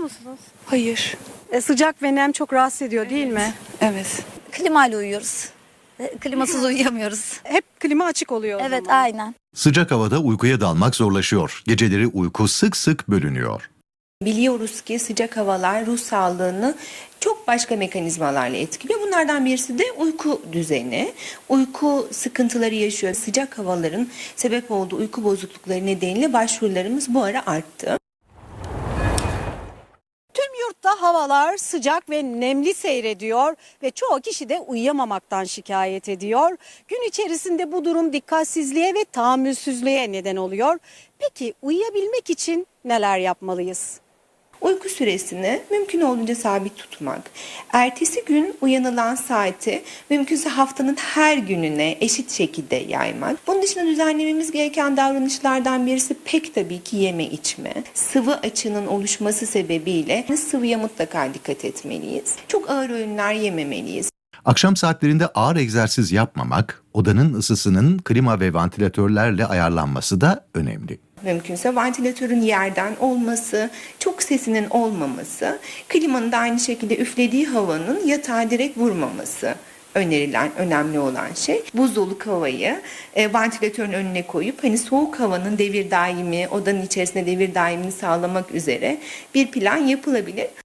musunuz? Hayır. Sıcak ve nem çok rahatsız ediyor değil mi? Evet. Klimayla uyuyoruz. Klimasız uyuyamıyoruz. Hep klima açık oluyor o Evet, zaman. aynen. Sıcak havada uykuya dalmak zorlaşıyor. Geceleri uyku sık sık bölünüyor. Biliyoruz ki sıcak havalar ruh sağlığını çok başka mekanizmalarla etkiliyor. Bunlardan birisi de uyku düzeni. Uyku sıkıntıları yaşıyor. Sıcak havaların sebep olduğu uyku bozuklukları nedeniyle başvurularımız bu ara arttı. Tüm yurtta havalar sıcak ve nemli seyrediyor ve çoğu kişi de uyuyamamaktan şikayet ediyor. Gün içerisinde bu durum dikkatsizliğe ve tahammülsüzlüğe neden oluyor. Peki uyuyabilmek için neler yapmalıyız? Uyku süresini mümkün olduğunca sabit tutmak. Ertesi gün uyanılan saati mümkünse haftanın her gününe eşit şekilde yaymak. Bunun dışında düzenlememiz gereken davranışlardan birisi pek tabii ki yeme içme. Sıvı açığının oluşması sebebiyle sıvıya mutlaka dikkat etmeliyiz. Çok ağır öğünler yememeliyiz. Akşam saatlerinde ağır egzersiz yapmamak, odanın ısısının klima ve vantilatörlerle ayarlanması da önemli. Mümkünse vantilatörün yerden olması, çok sesinin olmaması, klimanın da aynı şekilde üflediği havanın yatağa direkt vurmaması önerilen, önemli olan şey. Buzdoluk havayı vantilatörün önüne koyup soğuk havanın devir daimi, odanın içerisinde devir daimini sağlamak üzere bir plan yapılabilir.